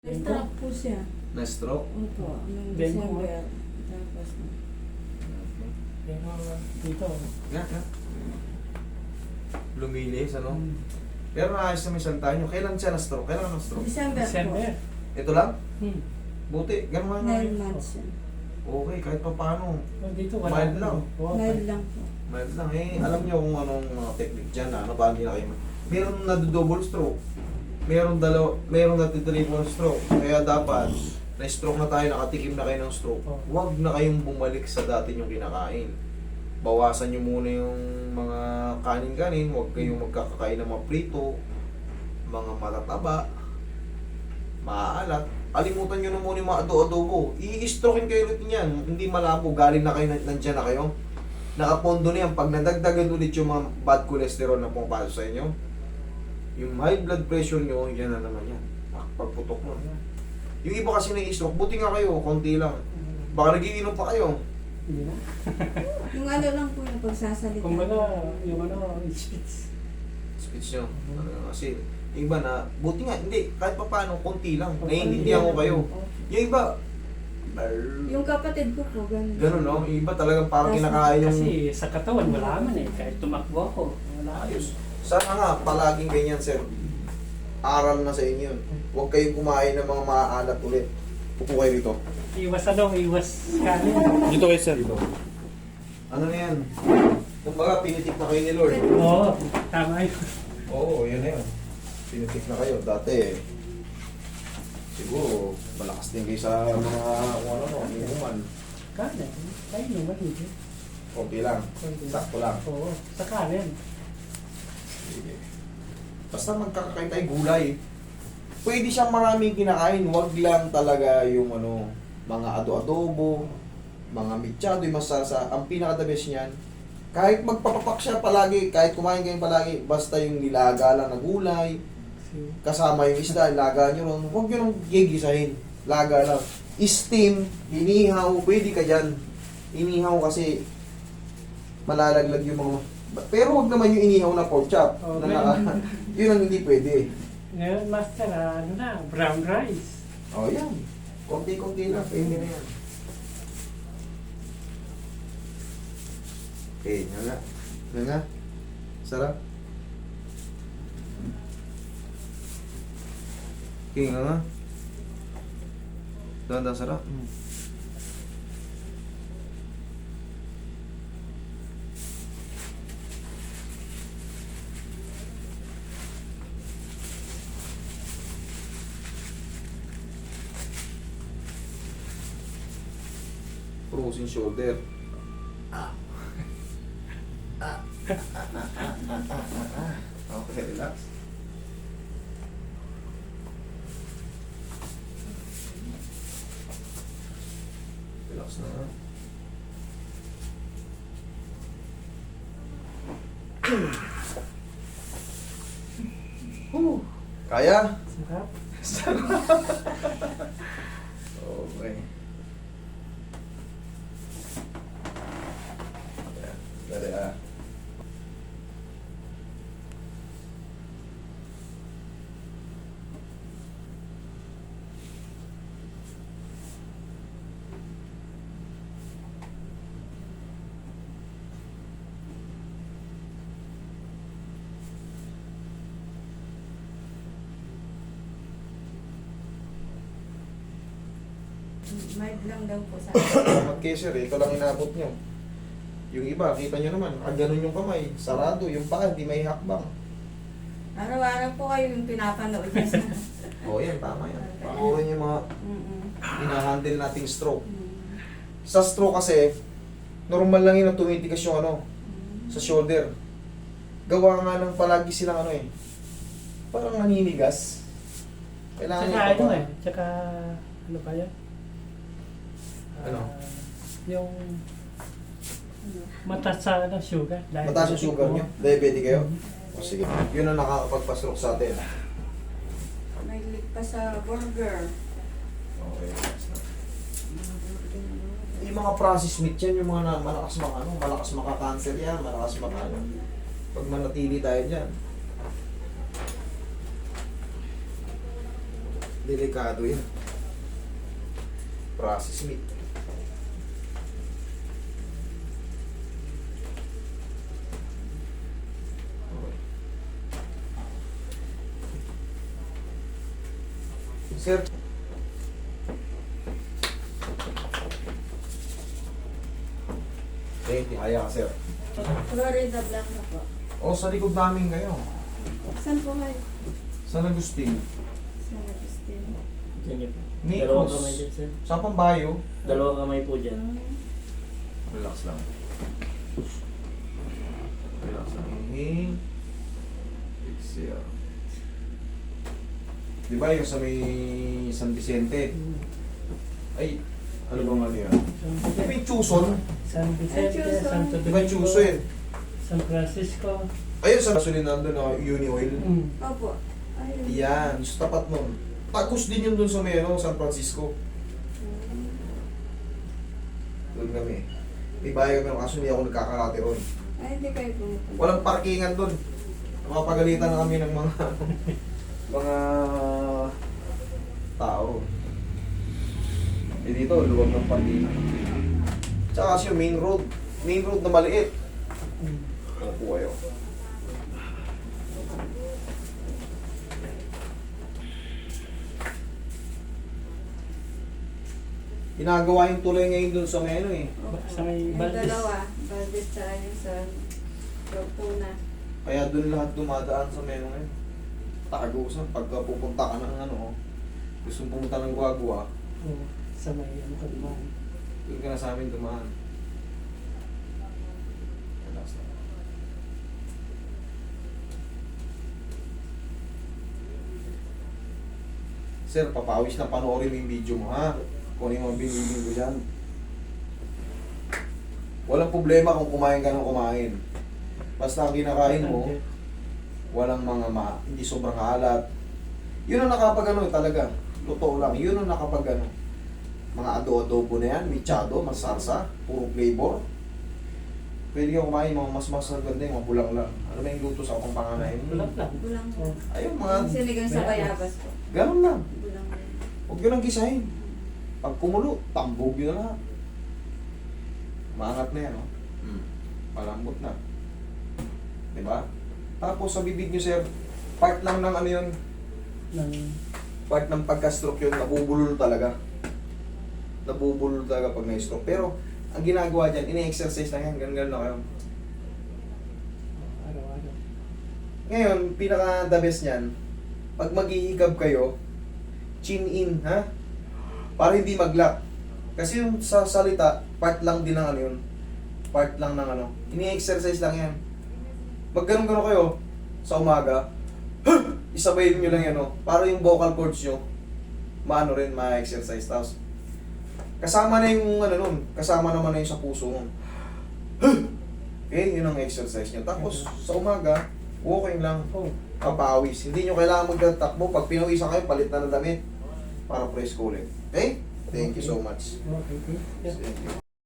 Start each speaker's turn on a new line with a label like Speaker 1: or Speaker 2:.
Speaker 1: Na-stroke po siya.
Speaker 2: Na-stroke?
Speaker 1: Opo, noong
Speaker 3: Demo,
Speaker 1: December. Tapos,
Speaker 3: Pero dito.
Speaker 2: Nga, nga. Lumilis, ano?
Speaker 3: Hmm.
Speaker 2: Pero naayos naman isang tayo. Kailan siya na-stroke? Kailan ka na-stroke?
Speaker 1: December
Speaker 3: December.
Speaker 2: Ito lang?
Speaker 3: Hmm.
Speaker 2: Buti. Ganun nga
Speaker 1: po.
Speaker 2: nga.
Speaker 1: 9 months siya.
Speaker 2: Okay, kahit pa paano.
Speaker 3: Oh, dito wala.
Speaker 2: Mild lang.
Speaker 3: Oh,
Speaker 1: Mild lang po.
Speaker 2: Mild lang. Eh, alam niyo kung anong mga technique dyan. Ano ba hindi na kayo? Meron na-double stroke. Meron na-triple stroke. Kaya dapat, na-stroke na tayo, nakatikim na kayo ng stroke. Huwag na kayong bumalik sa dati yung kinakain. Bawasan nyo muna yung mga kanin-kanin. Huwag kayong magkakakain ng mga prito, mga matataba, maaalat. Alimutan nyo na muna yung mga adobo. I-strokein kayo ulit yan. Hindi malabo. Galing na kayo, nandyan na kayo. Nakapondo na yan. Pag nadagdagan ulit yung mga bad cholesterol na pumapasok sa inyo, yung high blood pressure nyo, yan na naman yan. Pagputok mo. Yung iba kasi na-stroke, buti nga kayo, konti lang. Baka nagiinom pa kayo.
Speaker 3: Hindi na.
Speaker 1: Yung ano lang po yung pagsasalita.
Speaker 3: Kumbaga, yung speech.
Speaker 2: Speech nyo. Kasi, yung iba na, buti nga, hindi, kahit pa paano, konti lang. Naiintindihan ko kayo. Yung iba,
Speaker 1: Yung kapatid ko po, ganun.
Speaker 2: ganun no? Yung iba talagang parang kinakain yung
Speaker 3: Kasi sa katawan, wala man eh. Kahit tumakbo ako, wala.
Speaker 2: ayos. Sana nga, palaging ganyan, sir. Aral na sa inyo yun. Huwag kayong kumain ng mga maaalat ulit. Upo kayo dito.
Speaker 3: Iwas iwas kanin.
Speaker 2: Dito kayo, sir. Dito. Ano na yan? Kumbaga, pinitik na kayo ni Lord.
Speaker 3: Oo, tama yun.
Speaker 2: Oo, yun na yun. Pinitik na kayo. Dati, siguro, malakas din kayo sa mga, kung ano, inuman.
Speaker 3: Kanin. Kain naman hindi.
Speaker 2: Konti lang. Sakto lang.
Speaker 3: Oo, sa kanin.
Speaker 2: Sige. Basta magkakakain tayo gulay. Pwede siyang maraming kinakain. Huwag lang talaga yung ano, mga ado-adobo, mga mitsado, yung masasa. Ang pinaka-the best niyan, kahit magpapapak siya palagi, kahit kumain kayo palagi, basta yung nilaga lang na gulay, kasama yung isda, laga nyo ron, huwag nyo nang gigisahin. Laga lang. Steam, inihaw, pwede ka dyan. Inihaw kasi malalaglag yung mga... Pero wag naman yung inihaw na pork chop.
Speaker 3: Okay.
Speaker 2: Yun ang hindi pwede.
Speaker 3: Ngayon, master, ano na, brown rice.
Speaker 2: O yan. Konti-konti lang. Pwede na yan. Okay, nga nga. Nga nga. Sarap. Okay, nga nga. Dahan-dahan sarap. Frozen shoulder. Okay, relax. Relax na nga. Kaya?
Speaker 3: Sarap.
Speaker 2: Okay. Dali ah.
Speaker 1: Mild lang daw po sa
Speaker 2: Mag-kesher, ito lang inabot nyo. Yung iba, kita nyo naman, ganun yung kamay, sarado, yung paa, hindi may hakbang.
Speaker 1: Araw-araw po kayo yung pinapanood niya sa...
Speaker 2: O yan, tama yan. Panoorin yung mga hinahandle nating stroke.
Speaker 1: Mm.
Speaker 2: Sa stroke kasi, normal lang yun na tumitigas yung ano, sa shoulder. Gawa nga ng palagi silang ano eh, parang naninigas. Kailangan
Speaker 3: Tsaka
Speaker 2: yung
Speaker 3: ano
Speaker 2: papa-
Speaker 3: eh, tsaka ano ba yan?
Speaker 2: Ano?
Speaker 3: Yung mataas sa sugar.
Speaker 2: Mataas yung sugar nyo? Diabetic kayo? O sige, yun ang nakakapagpa-stroke sa atin.
Speaker 1: May leak pa sa burger.
Speaker 2: Okay, yung mga processed meat yan, yung mga malakas malakas maka-cancer yan, malakas maka ano. Pag manatili tayo dyan. Delikado yan. Process meat. Okay. Sir. Kaya ka, sir.
Speaker 1: Florida Black na po.
Speaker 2: O, sa likod namin kayo.
Speaker 1: Saan po kayo?
Speaker 2: San Agustin.
Speaker 1: San Agustin.
Speaker 3: Ganyan po.
Speaker 2: Nikos.
Speaker 3: Dalawang kamay dyan, sir.
Speaker 2: Sa Pambayo.
Speaker 3: Dalawang kamay po dyan.
Speaker 2: Relax lang. Relax lang. Inhale. Exhale. Di ba yung sa may San Vicente? Ay, ano bang ano yan? Di ba yung Chuson?
Speaker 3: San Vicente,
Speaker 1: Chuson.
Speaker 3: Santo
Speaker 2: Di ba yung
Speaker 3: Domingo,
Speaker 2: Chuson?
Speaker 3: San Francisco.
Speaker 2: Ayun, sa gasolina nandun na Uni Oil.
Speaker 1: Opo. Ayun.
Speaker 2: Yan, sa tapat nun. Tagos din yun dun sa may ano, San Francisco. Doon kami. May bahay kami, kaso hindi ako nagkakarate ron.
Speaker 1: Ay, hindi kayo pumunta.
Speaker 2: Walang parkingan doon. Mapagalitan na kami ng mga mga tao. Eh dito, luwag ng parkingan. Tsaka kasi yung main road na maliit. Ano po kayo? Ginagawa yung tulay ngayon doon sa may ano eh.
Speaker 1: Opo.
Speaker 3: Sa may
Speaker 1: Yung
Speaker 3: Valdez.
Speaker 1: dalawa. Valdez tsaka yung sa Lopuna.
Speaker 2: Kaya doon lahat dumadaan sa meno ngayon. Tagusan, pagka pupunta ka ng ano, gusto mong pumunta ng Guagua,
Speaker 3: Oo, sa may ano ka naman.
Speaker 2: doon ka na sa amin dumaan. Relax lang. Sir, papawis na panoorin mo yung video mo ha. Kung ano yung mga binibig ko dyan. Walang problema kung kumain ka ng kumain. Basta ang kinakain mo, walang hindi sobrang alat. Yun ang nakapag talaga. Totoo lang, yun ang nakapag mga adobo na yan, michado, masarsa, puro flavor. Pwede kang kumain mga mas ganda yung mga bulang lang. Ano ba yung luto sa akong panganay mo?
Speaker 3: Bulang lang.
Speaker 1: Bulang po.
Speaker 3: Oo.
Speaker 2: Ayun mga,
Speaker 1: Yung sinigang sa bayabas po.
Speaker 2: ganun lang.
Speaker 1: Bulang rin.
Speaker 2: Huwag yun ang gisahin. Pag kumulo, tambog yun na lahat. Maangat na yan, no? Malambot na. Diba? Tapos sa bibig nyo, sir, part lang ng ano yun,
Speaker 3: Ng
Speaker 2: part ng pagka-stroke yun, nabubulol talaga. Nabubulol talaga pag na-stroke. Pero, ang ginagawa dyan, ini-exercise lang yan, ganun na kayo.
Speaker 3: araw-araw.
Speaker 2: Ngayon, pinaka-the best niyan, pag maghihikab kayo, chin in, ha? Para hindi mag-lock. Kasi yung sa salita, part lang din ng ano yun. Part lang ng ano. Ini-exercise lang yan. Pag ganun-ganun kayo, sa umaga, isabayin nyo lang yan, no? Para yung vocal cords nyo, maano rin, ma-exercise. Tapos, kasama na yung ano nun, kasama naman na yung sa puso nun. Okay, yun ang exercise nyo. Tapos, sa umaga, walking lang,
Speaker 3: Oh,
Speaker 2: papawis. Hindi nyo kailangan magtatakbo. Pag pinawisan kayo, palit na ng damit para press ko ulit. Okay? Thank you so much.
Speaker 3: okay. Yeah.
Speaker 2: Thank you.